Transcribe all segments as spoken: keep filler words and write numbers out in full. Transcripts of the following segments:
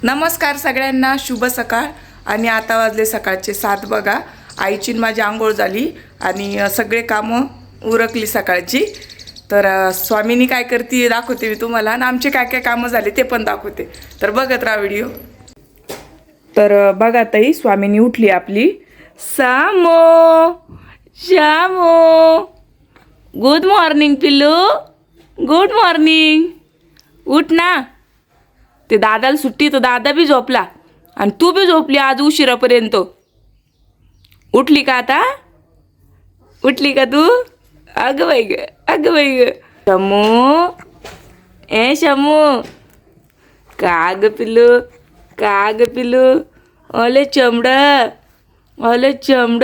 नमस्कार सगळ्यांना, शुभ सकाळ. आणि आता वाजले सकाळचे सात बघा. आईची माझी आंघोळ झाली आणि सगळे कामं उरकली सकाळची. तर स्वामीनी काय करते दाखवते मी तुम्हाला, आणि आमचे काय काय कामं झाले ते पण दाखवते. तर बघत राहा व्हिडिओ. तर बघा ताई, स्वामीनी उठली आपली. सामो शामो, गुड मॉर्निंग पिल्लू, गुड मॉर्निंग. उठ ना. ते दादाला सुट्टी तर दादा बी झोपला आणि तू बी झोपली आज उशिरापर्यंत. उठली का आता? उठली का तू? अगं बाई ग, अगं बाई ग. शमू, ए शमू, का ग पिल्लू, का ग पिल्लू. ओले चमड, ओले चमड.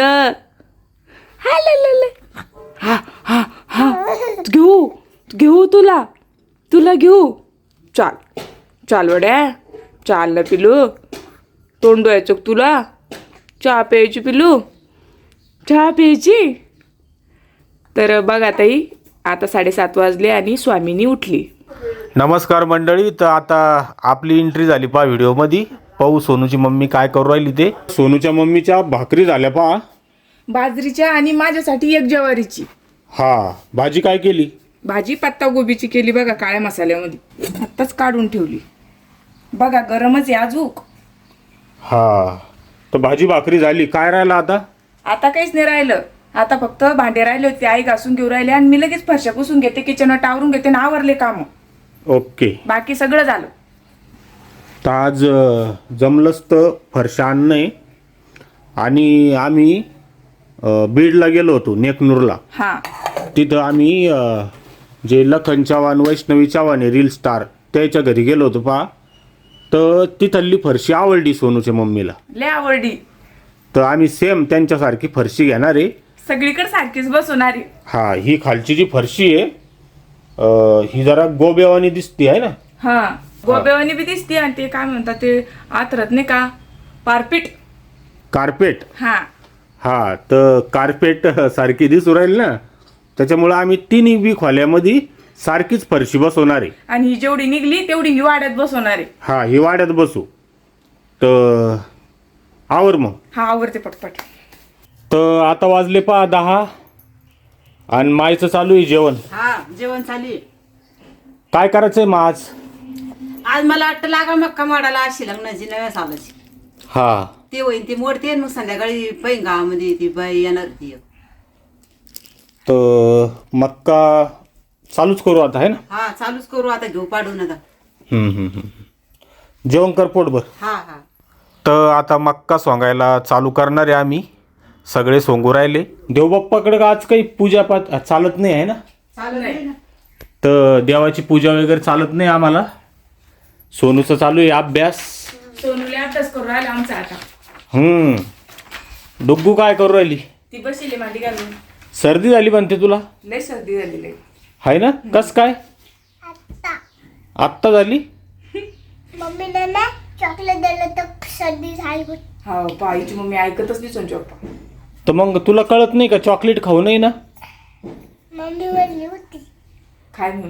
हा ल हा हा हा घेऊ घेऊ तुला तुला घेऊ. चाल चाल वड्या, चाल ना पिलू. तोंड धुवायचं तुला. चहा प्यायची पिलू, चहा प्यायची. तर बघा ताई, आता साडेसात वाजले आणि स्वामीनी उठली. नमस्कार मंडळी. तर आता आपली एंट्री झाली पहा व्हिडिओमध्ये. पाहू सोनूची मम्मी काय करू राहिली ते. सोनूच्या मम्मीच्या भाकरी झाल्या पहा, बाजरीच्या आणि माझ्यासाठी एक ज्वारीची. हा, भाजी काय केली? भाजी पत्ता गोबीची केली बघा, काळ्या मसाल्यामध्ये. आत्ताच काढून ठेवली बघा, गरमच आहे अजूक. हा, तर भाजी भाकरी झाली. काय राहिलं आता? आता काहीच नाही राहिलं. आता फक्त भांडे राहिले होते, आई घासून घेऊ राहिले आणि मी लगेच फरशा पुसून घेते, किचन टावरून घेते आणि आवरले काम. ओके, बाकी सगळं झालं. तर आज अं, जमलंच तर फरशा आणणं. आणि आम्ही अं, बीडला गेलो होतो, नेकनूरला. हा, तिथं आम्ही अं, जे लखन चव्हाण, वैष्णवी चव्हाण आहे रील स्टार, त्याच्या घरी गेलो होतो पहा. तर तिथली फरशी आवडली सोनूच्या मम्मीला. लय आवडली. तर आम्ही सेम त्यांच्यासारखी फरशी घेणार आहे. सगळीकडे सारखीच बसवणारी. हा, ही खालची जी फरशी आहे अं, ही जरा गोब्यावानी दिसते आहे ना. हा, गोब्यावानी बी दिसते आणि ते काय म्हणतात ते आतरत नाही का, पारपीट. कार्पेट. हा हा, तर कार्पेट सारखी दिसू राहील ना, त्याच्यामुळं आम्ही तिन्ही बी खोल्यामध्ये सारखीच फरशी बसवणार आहे. आणि ही जेवढी निघली तेवढी ही वाड्यात बसवणार आहे. हा, ही वाड्यात बसू. तर आवर मग. हा, आवरते पटपट. तर आता वाजले पहा दहा आणि मायचं चालू आहे जेवण. हा, जेवण चालू आहे. काय करायचंय मग आज? आज मला वाटतं लागा मक्का मोडायला अशी लग्नाची नव्या सालाची. हा, ते होईन ती मोडते, मग संध्याकाळी पैन गावामध्ये ती बाई येणार ती. तर मक्का चालूच करू आता आहे ना. हा, चालूच करू आता, घेऊ पाडून आता. हम्म, हम्म, हम्म. जेवण कर पोटभर. हा हा. तर आता मक्का सोंगायला चालू करणार आहे आम्ही. सगळे सोंगू राहिले. देवबाप्पाकडे आज काही पूजा पाठ चालत नाही आहे ना. चालू आहे ना. तर देवाची पूजा वगैरे चालत नाही आम्हाला. सोनूचं चालू आहे अभ्यास. सोनूला अभ्यास करू राहिला आमचा आता. हम्म. डुग्गू काय करू राहिली? ती बसली मांडी घालून. सर्दी झाली म्हणते तुला, लय सर्दी झालेली. आहे ना? कस काय? आत्ता झाली? मम्मीने ना चॉकलेट दिलं तर सर्दी झाली होती. हा, बाईची मम्मी ऐकतच नाही सोनची पप्पा. तर मग तुला कळत नाही का चॉकलेट खाऊ नये ना? मम्मी बोलली होती. काय म्हणून?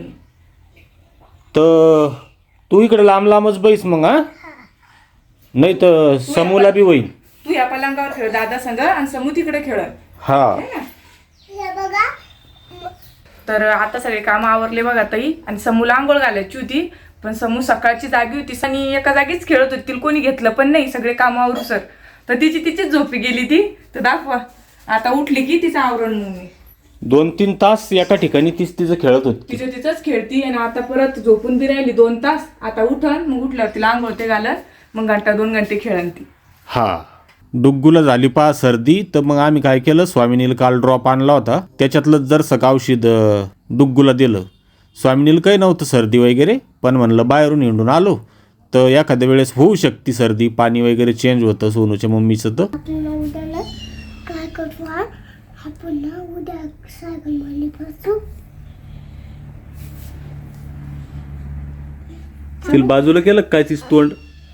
तर तू इकडे लांब लांबच बैस मग. हा, नाही तर समूला बी होईल. तू या पलंगावर खेळ दादा संग आणि समू तिकडे खेळ. हा, हे बघा. तर आता सगळे काम आवरले बघा ताई. आणि समूला आंघोळ घालायची होती, पण समू सकाळची जागी होती आणि एका जागीच खेळत होती. तिला कोणी घेतलं पण नाही सगळे काम आवरू सर. तर तिची तिचीच झोपी गेली ती. तर दाखवा, आता उठली की तिचं आवरण मम्मी. दोन तीन तास एका ठिकाणी तीच तिचं खेळत होती. तिचं तिचंच खेळती आणि आता परत झोपून बी राहिली दोन तास. आता उठन, मग उठल्यावर तिला आंघोळ ते घालत, मग घंटा दोन घंटे खेळन ती. हा, डुग्गूला झाली पहा सर्दी. तर मग आम्ही काय केलं, स्वामिनीला काल ड्रॉप आणला होता, त्याच्यातलं जरसं औषध अं, डुग्गूला दिलं. स्वामिनीला काही नव्हतं सर्दी वगैरे, पण म्हणलं बाहेरून हिंडून आलो तर एखाद्या वेळेस होऊ शकते सर्दी, पाणी वगैरे चेंज होतं सोनूच्या मम्मीचं. तर आपल्याला उद्याला काय करू? आपण ना उद्या सायकल मारली बसू. तिला बाजूला केलं काय तीच तोंड?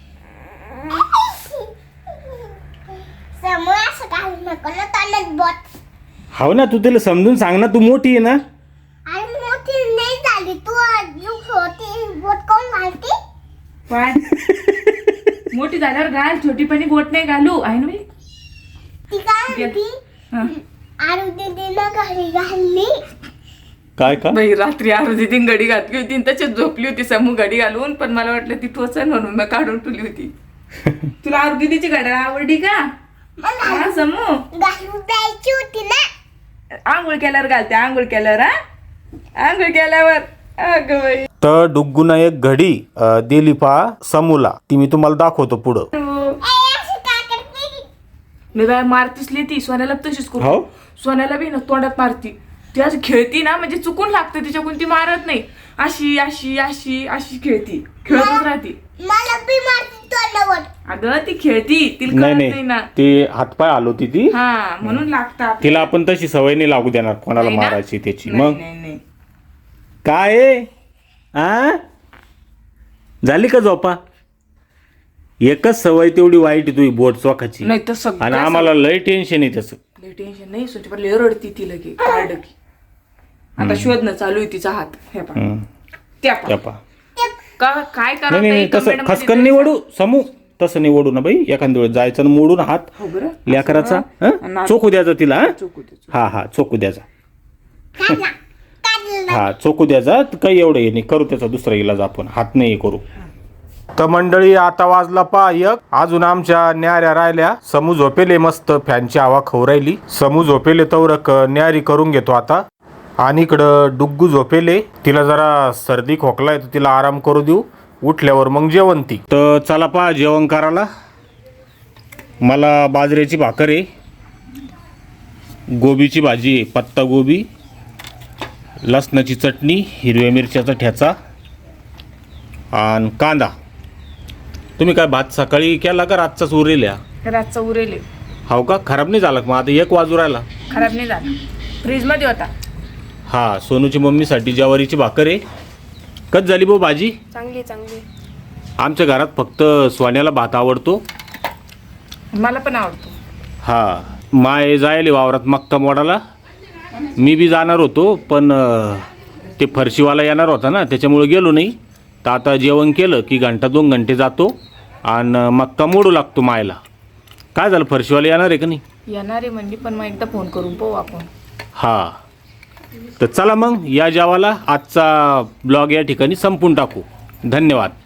समोर असं काय नको ना तोंडात बोट. हो ना, तू तिला समजून सांग ना, तू मोठी आहे ना. अरे मोठी नाही झाली तू, अजून छोटी बोट कोण घालते? पण मोठी झाल्यावर घाल, छोटीपणी गोट नाही घालू आहे ना बाई. ती काय म्हणती हा. आरोग्य दिना घरी घालली. काय का बाई रात्री आरोजी ती गडी घातली होती आणि त्याच्यात झोपली होती समू गडी घालून, पण मला वाटलं ती टोचन म्हणून मी काढून ठेवली होती. तुला आरोग्यची घड्याळ आवडली का? हा समू घालून द्यायची होती ना. आंघोळ केल्यावर घालते, आंघोळ केल्यावर. हा आंघोळ केल्यावर. अगं बाई. तर डुग्गूनं एक घडी अ, दिली पा समूला, ती मी तुम्हाला दाखवतो पुढं. हो. ए, अशी का करते? मी बाय मारतीसली ती सोन्याला तशीच हो? करू. सोन्याला बी ना तोंडात मारती ती, अशी खेळती ना म्हणजे चुकून लागते तिच्याकडून, ती मारत नाही. अशी अशी अशी अशी खेळती, खेळतच राहती. मला बी मारती तोंडावर. अगं ती खेळती, तिला नाही कळत नाही नाही ना. ते हातपाय हलवती ती. हा म्हणून लागतात. तिला आपण तशी सवय नाही लागू देणार कोणाला नाही ना? मारायची त्याची. नाही, मग नाही, नाही. काय आहे? आ झाली का झोपा? एकच सवय तेवढी वाईट आहे तुझी बोट चोखाची. नाही तर सगळं आणि आम्हाला लय टेन्शन आहे त्याचं. टेन्शन नाही, सोची पण लय रडती ती लगे काढ की. आता शोधणं चालू आहे तिचा हात. हे पहा. हम्म. त्या त्या पहा. पहा. का- काय नाही नाही नाही, करायचं तसं खसकन नाही ओढू समू, तसं नाही ओढू ना बाई. एखाद्या वेळेस जायचं आणि मोडून हात हो बरं. लेकराचा. आणि हं? चोखू द्यायचा तिला. हं? चोकू दे, चोकू. हा हा चोखू द्यायचा. काढला काढला. हा चोखू द्यायचा. काही एवढं हे नाही करू, त्याचा दुसरा इलाज आपण हात नाही करू. तर मंडळी आता वाजला पा एक. अजून आमच्या न्याऱ्या राहिल्या. समू झोपेले मस्त, फॅनची हवा खाऊ राहिली. समू झोपेले तवरक न्यारी करून घेतो आता. आणि इकडं डुग्गू झोपेले, तिला जरा सर्दी खोकला आहे तर तिला आराम करू देऊ. उठल्यावर मग जेवण ती. तर चला पा जेवण करायला. मला बाजरीची भाकर आहे, गोबीची भाजी आहे, पत्ता गोबी, लसणाची चटणी, हिरव्या मिरच्याचा ठेचा आणि कांदा. तुम्ही काय भात सकाळी केला का रातचाच उरलेल्या? रातचा उरेले. हो का? खराब नाही झाला का? मग आता एक वाजू राहिला. खराब नाही झाला, फ्रीज मध्ये होता. हा सोनूची मम्मीसाठी ज्वारीची भाकर आहे. कच झाली भाऊ भाजी? चांगली चांगली. आमच्या घरात फक्त सोन्याला भात आवडतो. मला पण आवडतो. हा माय जायले वावरात मक्का मोडाला. मी बी जाणार होतो पण अं, ते फरशीवाला येणार होता ना, त्याच्यामुळे गेलो नाही. तर आता जेवण केलं की घंटा दोन घंटे जातो आणि मक्का मोडू लागतो मायला. काय झालं, फरशीवाला येणार आहे का नाही? येणार आहे म्हणजे, पण मग एकदा फोन करून पाहू आपण. हा तर चला मग या जेवाला. आजचा ब्लॉग या ठिकाणी संपून टाकू. धन्यवाद.